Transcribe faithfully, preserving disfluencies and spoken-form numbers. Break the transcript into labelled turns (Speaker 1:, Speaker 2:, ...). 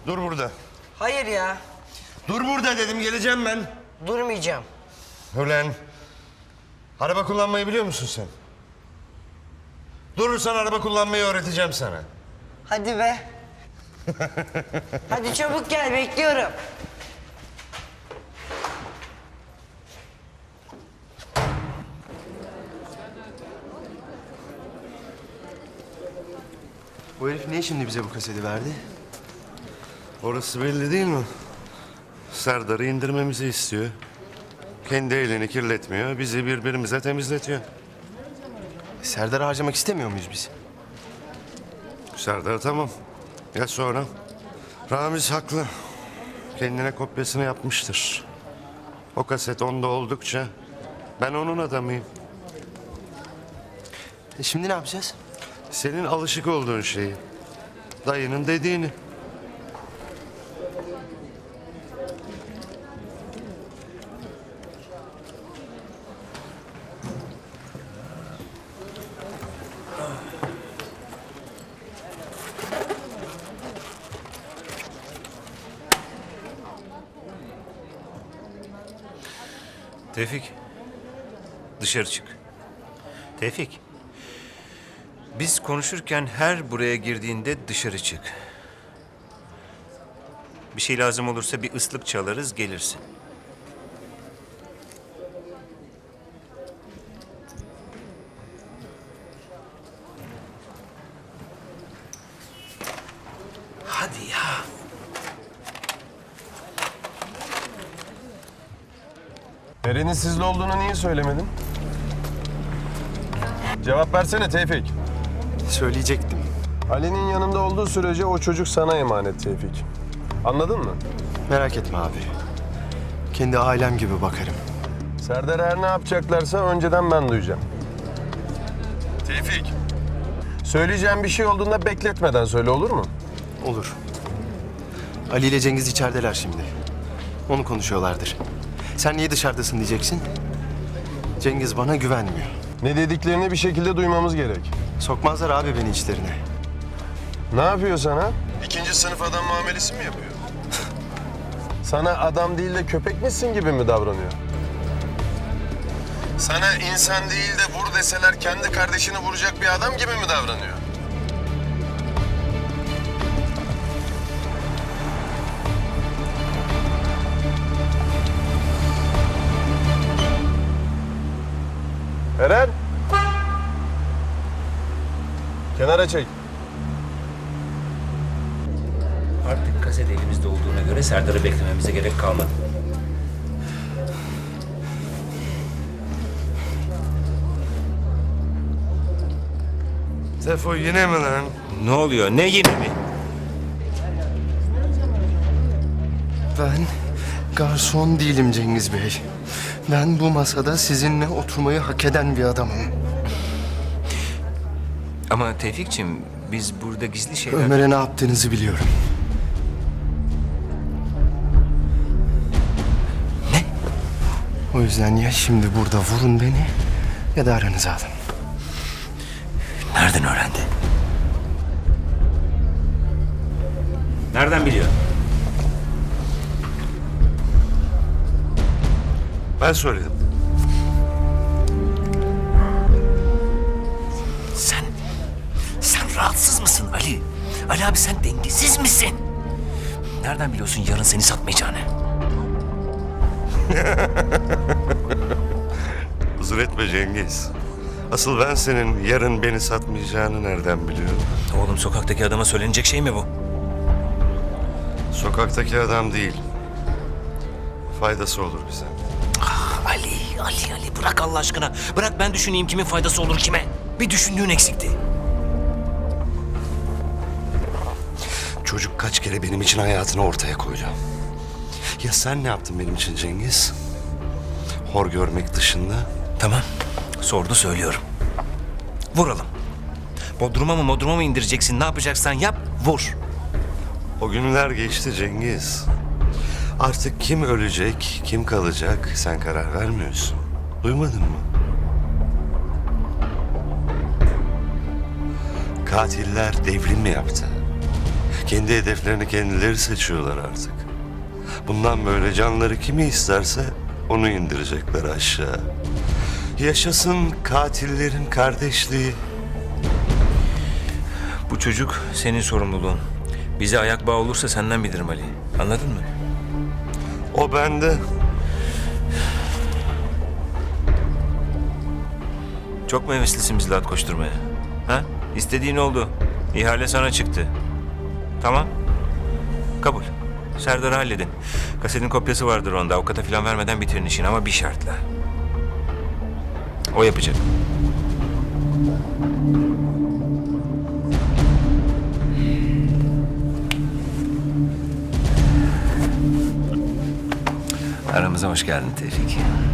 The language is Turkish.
Speaker 1: Dur burada.
Speaker 2: Hayır ya.
Speaker 1: Dur burada dedim, geleceğim ben.
Speaker 2: Durmayacağım.
Speaker 1: Ulan, araba kullanmayı biliyor musun sen? Durursan araba kullanmayı öğreteceğim sana.
Speaker 2: Hadi be. Hadi çabuk gel, bekliyorum.
Speaker 3: Bu herif niye şimdi bize bu kaseti verdi?
Speaker 1: Orası belli değil mi? Serdar'ı indirmemizi istiyor. Kendi elini kirletmiyor, bizi birbirimize temizletiyor.
Speaker 3: Serdar'ı harcamak istemiyor muyuz biz?
Speaker 1: Serdar tamam. Ya sonra? Ramiz haklı. Kendine kopyasını yapmıştır. O kaset onda oldukça ben onun adamıyım.
Speaker 3: E şimdi ne yapacağız?
Speaker 1: Senin alışık olduğun şeyi. Dayının dediğini.
Speaker 4: Tevfik, dışarı çık. Tevfik, biz konuşurken her buraya girdiğinde dışarı çık. Bir şey lazım olursa bir ıslık çalarız, gelirsin. Hadi ya.
Speaker 5: Eren'in sizle olduğunu niye söylemedin? Cevap versene Tevfik.
Speaker 3: Söyleyecektim.
Speaker 5: Ali'nin yanında olduğu sürece o çocuk sana emanet Tevfik. Anladın mı?
Speaker 3: Merak etme abi. Kendi ailem gibi bakarım.
Speaker 5: Serdar her ne yapacaklarsa önceden ben duyacağım. Tevfik. Söyleyeceğim bir şey olduğunda bekletmeden söyle, olur mu?
Speaker 3: Olur. Ali ile Cengiz içerideler şimdi. Onu konuşuyorlardır. Sen niye dışarıdasın diyeceksin. Cengiz bana güvenmiyor.
Speaker 5: Ne dediklerini bir şekilde duymamız gerek.
Speaker 3: Sokmazlar abi beni içlerine.
Speaker 5: Ne yapıyor sana? İkinci sınıf adam muamelesi mi yapıyor? Sana adam değil de köpek misin gibi mi davranıyor? Sana insan değil de vur deseler kendi kardeşini vuracak bir adam gibi mi davranıyor? Eren! Kenara çek.
Speaker 6: Artık kaset elimizde olduğuna göre Serdar'ı beklememize gerek kalmadı.
Speaker 1: Tefo yine mi lan?
Speaker 4: Ne oluyor, ne yine mi?
Speaker 3: Ben garson değilim Cengiz Bey. Ben bu masada sizinle oturmayı hak eden bir adamım.
Speaker 4: Ama Tevfik'ciğim, biz burada gizli şeyler...
Speaker 3: Ömer'e ne yaptığınızı biliyorum.
Speaker 4: Ne?
Speaker 3: O yüzden ya şimdi burada vurun beni ya da aranıza alın.
Speaker 4: Nereden öğrendi?
Speaker 6: Nereden biliyor?
Speaker 1: Ben söyledim.
Speaker 4: Sen, sen rahatsız mısın Ali? Ali abi sen dengesiz misin? Nereden biliyorsun yarın seni satmayacağını?
Speaker 1: Huzur etme Cengiz. Asıl ben senin yarın beni satmayacağını nereden biliyorum?
Speaker 4: Oğlum sokaktaki adama söylenecek şey mi bu?
Speaker 1: Sokaktaki adam değil. Faydası olur bize.
Speaker 4: Ali, Ali, Ali bırak Allah aşkına. Bırak ben düşüneyim kimin faydası olur kime. Bir düşündüğün eksikti.
Speaker 1: Çocuk kaç kere benim için hayatını ortaya koydu. Ya sen ne yaptın benim için Cengiz? Hor görmek dışında.
Speaker 4: Tamam, sordu söylüyorum. Vuralım. Bodruma mı modruma mı indireceksin? Ne yapacaksan yap, vur.
Speaker 1: O günler geçti Cengiz. Artık kim ölecek, kim kalacak sen karar vermiyorsun. Duymadın mı? Katiller devrim mi yaptı? Kendi hedeflerini kendileri seçiyorlar artık. Bundan böyle canları kimi isterse onu indirecekler aşağı. Yaşasın katillerin kardeşliği.
Speaker 6: Bu çocuk senin sorumluluğun. Bize ayak bağı olursa senden bilirim Ali. Anladın mı?
Speaker 1: O bende.
Speaker 6: Çok mu heveslisin bizle at koşturmaya? Ha? İstediğin oldu. İhale sana çıktı. Tamam. Kabul. Serdar'ı halledin. Kasetin kopyası vardır onda. Avukata falan vermeden bitirin işini ama bir şartla. O yapacak.
Speaker 4: Aramıza hoş geldin Tevfik.